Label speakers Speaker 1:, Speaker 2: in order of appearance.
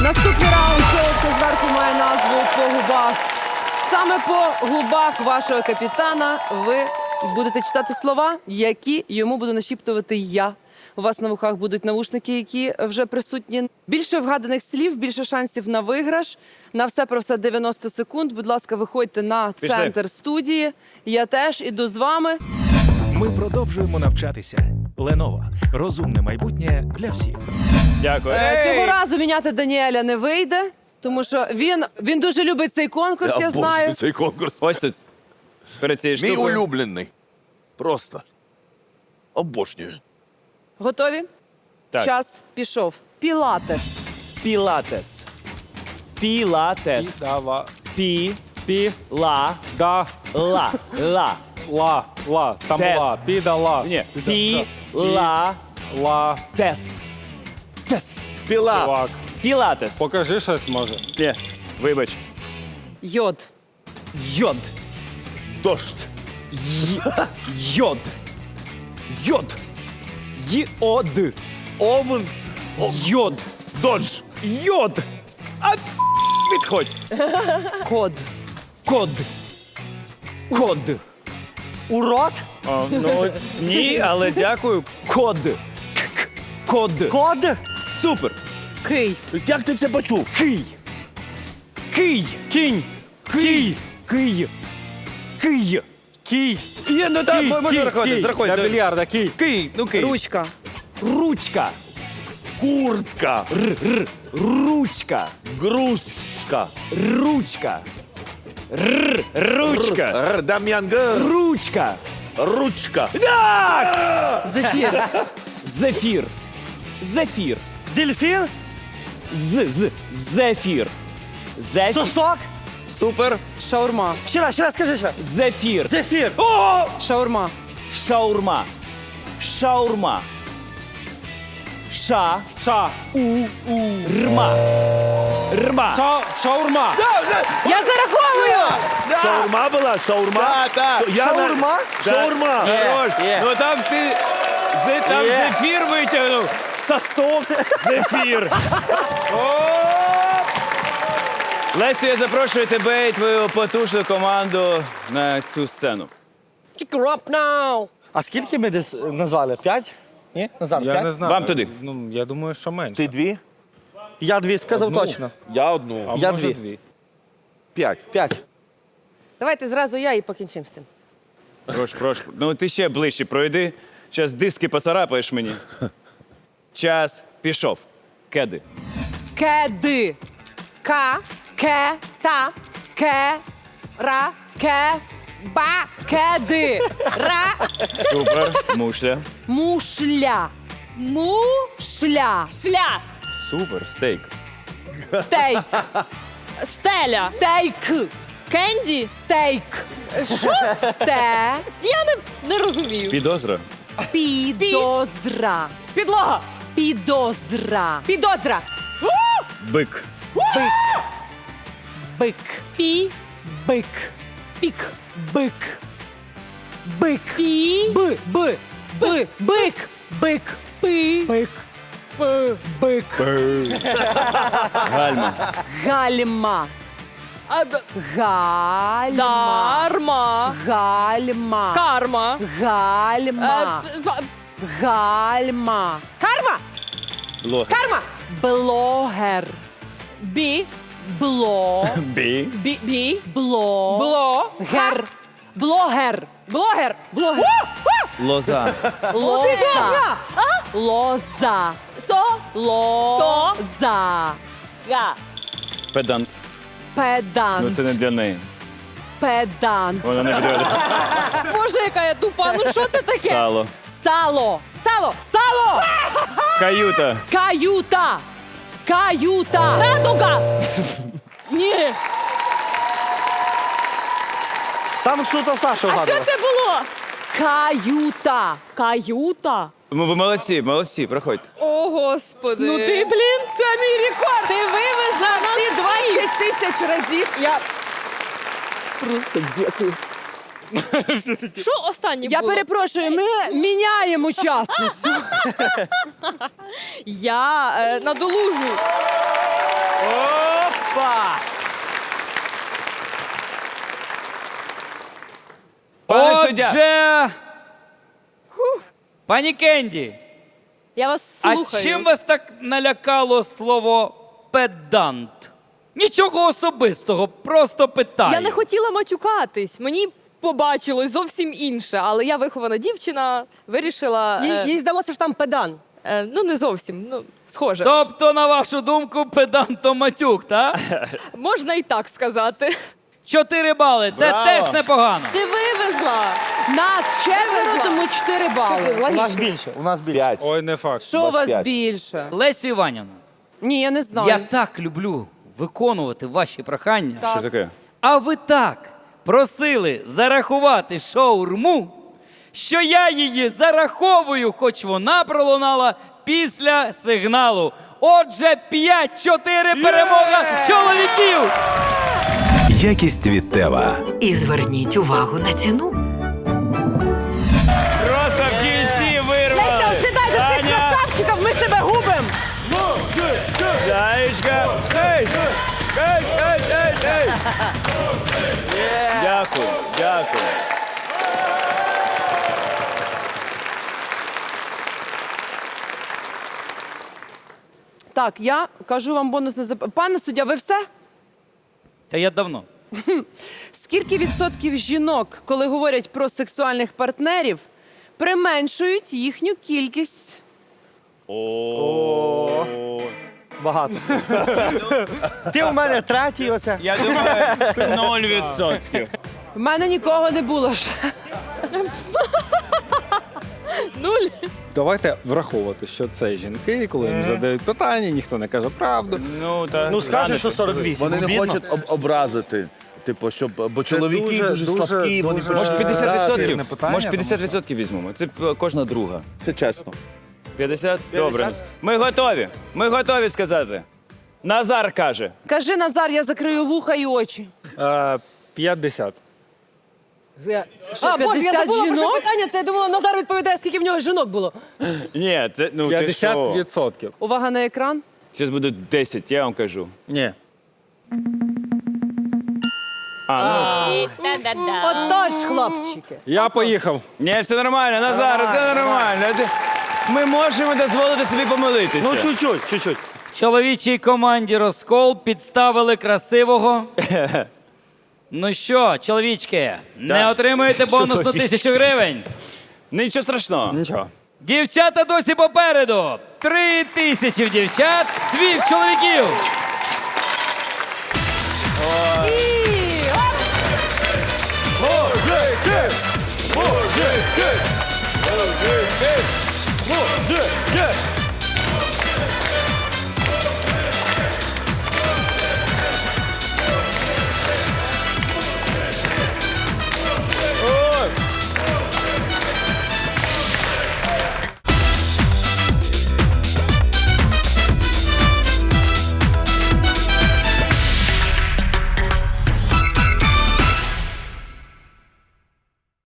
Speaker 1: Наступний раунд цього, хто зверху має назву «По губах». Саме по губах вашого капітана ви будете читати слова, які йому буду нашіптувати я. У вас на вухах будуть навушники, які вже присутні. Більше вгаданих слів, більше шансів на виграш. На все про все 90 секунд. Будь ласка, виходьте на центр студії. Я теж іду з вами.
Speaker 2: Ми продовжуємо навчатися. Lenovo. Розумне майбутнє для всіх.
Speaker 3: Дякую.
Speaker 1: Цього разу міняти Даніеля не вийде, тому що він дуже любить цей конкурс, я знаю.
Speaker 4: Цей конкурс.
Speaker 3: Ось тут. Перед цією
Speaker 4: Мій
Speaker 3: штукою.
Speaker 4: улюблений. Просто. Обожнюю.
Speaker 1: Готові?
Speaker 3: Так.
Speaker 1: Час пішов. Пілатес.
Speaker 3: Пілатес. Пілатес.
Speaker 5: Дава.
Speaker 3: Пі. Ла.
Speaker 5: Да.
Speaker 3: Ла. Ла.
Speaker 5: Ла. Там
Speaker 3: Тес.
Speaker 5: ла. Підала.
Speaker 3: Ні. Пі. Ла.
Speaker 5: Ла.
Speaker 3: Тес. Тес. Піла.
Speaker 5: Чувак.
Speaker 3: Пілатес.
Speaker 5: Покажи щось, може.
Speaker 3: Ні. Вибач.
Speaker 1: Йод.
Speaker 3: Йод.
Speaker 4: Дощ.
Speaker 3: Йод. Йод. Йод.
Speaker 4: Овен.
Speaker 3: Йод.
Speaker 4: Дощ.
Speaker 3: Йод. А відходь.
Speaker 1: Код.
Speaker 3: Код. Код.
Speaker 6: Урод?
Speaker 3: Ну, ні, але дякую. Код. Код.
Speaker 6: Код?
Speaker 3: Супер.
Speaker 1: Кий.
Speaker 4: Як ти це почув?
Speaker 3: Кий. Кий. Кінь. Кий. Кий. Кий.
Speaker 5: Кій.
Speaker 3: Є, ну так, можна рахувати, зарахуй.
Speaker 5: Для більярда, кій.
Speaker 3: Кий, ну кий.
Speaker 1: Ручка.
Speaker 3: Ручка.
Speaker 4: Куртка.
Speaker 3: Ручка.
Speaker 4: Грузка.
Speaker 3: Ручка. Ручка.
Speaker 4: Дам'ян Г.
Speaker 3: Ручка.
Speaker 4: Ручка.
Speaker 3: Так!
Speaker 1: Зефір.
Speaker 3: Зефір. Зефір.
Speaker 6: Дельфін?
Speaker 3: Зефір. Зефір.
Speaker 6: Сосок?
Speaker 3: Супер.
Speaker 1: Шаурма.
Speaker 6: Ще раз, скажи ще.
Speaker 3: Зефір.
Speaker 6: Зефір.
Speaker 3: О!
Speaker 1: Шаурма.
Speaker 3: Шаурма. Шаурма. Ша.
Speaker 5: Ша.
Speaker 3: Рма. Рма.
Speaker 5: Шаурма.
Speaker 1: Я зараховую!
Speaker 4: Шаурма була? Шаурма?
Speaker 3: Так.
Speaker 6: Шаурма?
Speaker 4: Шаурма.
Speaker 3: Хорош. Ну там ти там зефір витягнув. Сосок. Зефір. Лесю, я запрошую тебе і твою потужну команду на цю сцену.
Speaker 6: А скільки ми десь назвали? 5? Ні? Назар,
Speaker 5: Я
Speaker 6: 5?
Speaker 5: не знаю.
Speaker 3: Вам туди.
Speaker 5: Ну, я думаю, що менше.
Speaker 4: Ти дві?
Speaker 6: Я 2 сказав
Speaker 5: Одну.
Speaker 6: точно.
Speaker 4: Я одну.
Speaker 5: А
Speaker 6: Я
Speaker 5: може
Speaker 6: 2.
Speaker 4: 5.
Speaker 6: 5.
Speaker 1: Давайте зразу я і покінчимо з цим.
Speaker 3: Прошу. Ну ти ще ближче пройди. Зараз диски поцарапаєш мені. Час пішов. Кеди.
Speaker 1: Кеди. Ка. Ке. Та. Ке. Ра. Ке. Ба. Кеди. Ра.
Speaker 3: Супер. Мушля.
Speaker 1: Мушля. Мушля.
Speaker 7: Шля.
Speaker 3: Супер. Стейк.
Speaker 1: Стейк.
Speaker 7: Стеля.
Speaker 1: Стейк.
Speaker 7: Кенді.
Speaker 1: Стейк. Що? Сте.
Speaker 7: Я не розумію.
Speaker 3: Підозра.
Speaker 1: Підозра. Підлога. Підозра. Підозра.
Speaker 3: Бик.
Speaker 1: Бик.
Speaker 7: Пі.
Speaker 1: Бик.
Speaker 7: Пік.
Speaker 1: Бик. Бик.
Speaker 7: Пі.
Speaker 1: Бик. Бик.
Speaker 7: Пи.
Speaker 1: Бик. Бик.
Speaker 3: Гальма.
Speaker 1: Гальма. Гальма.
Speaker 7: Дарма.
Speaker 1: Гальма.
Speaker 7: Карма.
Speaker 1: Гальма. Гальма. Карма.
Speaker 3: Блогер.
Speaker 1: Карма. Блогер.
Speaker 7: Бі.
Speaker 1: Бло.
Speaker 3: Бі.
Speaker 7: Бі.
Speaker 1: Бло.
Speaker 7: Блогер.
Speaker 1: Блогер. Блогер. Блогер.
Speaker 3: Лоза.
Speaker 1: Лоза. Лоза.
Speaker 7: Со.
Speaker 1: Лоза.
Speaker 7: Га.
Speaker 3: Педант. Ну
Speaker 1: Педант.
Speaker 3: це не для неї.
Speaker 1: Педант.
Speaker 3: Вона не підійде.
Speaker 7: Боже, яка я тупа. Ну що це таке?
Speaker 3: Сало.
Speaker 1: Сало. Сало. Сало.
Speaker 3: Каюта.
Speaker 1: Каюта. Каюта.
Speaker 7: Радуга. Ні.
Speaker 6: Там що-то Саша
Speaker 7: А що
Speaker 6: вгадував.
Speaker 7: це було?
Speaker 1: Каюта.
Speaker 7: Каюта.
Speaker 3: Ви молодці, проходьте.
Speaker 7: О, Господи.
Speaker 1: Ну ти, блін, це мій рекорд.
Speaker 7: Ти вивезла нас
Speaker 1: Ці
Speaker 7: всіх.
Speaker 1: 20 000 разів я просто дякую.
Speaker 7: Що останнє
Speaker 1: Я
Speaker 7: було?
Speaker 1: перепрошую, ми міняємо учасницю.
Speaker 7: Я надолужу.
Speaker 3: Опа! Пане суддя.
Speaker 8: Отже, пані Кенді,
Speaker 7: Я вас
Speaker 8: а
Speaker 7: слухаю.
Speaker 8: чим вас так налякало слово педант? Нічого особистого, просто питаю.
Speaker 7: Я не хотіла матюкатись. Мені побачилось зовсім інше, але я вихована дівчина, вирішила.
Speaker 1: Їй здалося, що там педан.
Speaker 7: Ну, не зовсім, ну, схоже.
Speaker 8: Тобто, на вашу думку, педант то матюк, так?
Speaker 7: Можна і так сказати.
Speaker 8: 4 бали, це
Speaker 3: Браво.
Speaker 8: теж непогано.
Speaker 7: Ти вивезла.
Speaker 1: Нас четверо,
Speaker 7: Вивезла.
Speaker 1: тому 4 бали.
Speaker 6: У нас більше, у нас більше.
Speaker 4: 5.
Speaker 5: Ой, не факт.
Speaker 1: Що у вас
Speaker 4: п'ять.
Speaker 1: більше?
Speaker 8: Лесю Іванівна,
Speaker 1: Ні, я не знаю.
Speaker 8: я так люблю виконувати ваші прохання.
Speaker 3: Що таке?
Speaker 8: А ви так просили зарахувати шаурму, що я її зараховую, хоч вона пролунала після сигналу. Отже, 5-4 перемога чоловіків!
Speaker 2: Якість від Тева.
Speaker 9: І зверніть увагу на ціну.
Speaker 3: Просто в кінці вирвали.
Speaker 1: Сідай за цих
Speaker 3: Таня,
Speaker 1: красавчиків, ми себе губимо.
Speaker 3: Таєчка. Ей! Ей, ей, ей, ей! Дякую, дякую.
Speaker 1: Так, я кажу вам бонусне запитання. Пане суддя, ви все?
Speaker 8: Та я давно.
Speaker 1: Скільки відсотків жінок, коли говорять про сексуальних партнерів, применшують їхню кількість?
Speaker 6: Багато. Ти у мене третій оце.
Speaker 3: Я думаю, 0%.
Speaker 1: В мене нікого не було ще.
Speaker 7: Нуль.
Speaker 5: Давайте враховувати, що це жінки, і коли їм задають питання, ніхто не каже правду.
Speaker 3: Ну, та,
Speaker 6: Ну скажеш, що 48.
Speaker 4: Вони не
Speaker 6: обідно.
Speaker 4: хочуть образити. Типу, щоб, бо чоловіки
Speaker 5: дуже-
Speaker 4: дуже,
Speaker 5: дуже-
Speaker 4: слабкі, вони
Speaker 5: дуже-
Speaker 3: Може,
Speaker 4: хочуть-
Speaker 3: 50%?
Speaker 5: питання,
Speaker 3: Може, 50% візьмемо. Це кожна друга.
Speaker 4: Це чесно.
Speaker 3: 50? Добре. Ми готові. Ми готові сказати. Назар каже.
Speaker 1: Кажи, Назар, я закрию вуха і очі.
Speaker 5: 50.
Speaker 1: А, Боже, я забула про що
Speaker 6: жінок?
Speaker 1: питання, це я думала, Назар відповідає, скільки в нього жінок було.
Speaker 3: Ні, це, ну, ти що?
Speaker 5: 50%.
Speaker 1: Увага на екран.
Speaker 3: Зараз буде 10, я вам кажу.
Speaker 5: Ні.
Speaker 1: Отож, хлопчики.
Speaker 5: Я поїхав.
Speaker 3: Ні, все нормально, Назар, все нормально. Ми можемо дозволити собі помилитися.
Speaker 6: Ну, чуть-чуть.
Speaker 8: Чоловічій команді розкол підставили красивого. Ну що, чоловічки, не отримуєте бонусну 1000 гривень?
Speaker 3: Нічого страшного.
Speaker 5: Нічого.
Speaker 8: Дівчата досі попереду. 3000 в дівчат, 2 в чоловіків.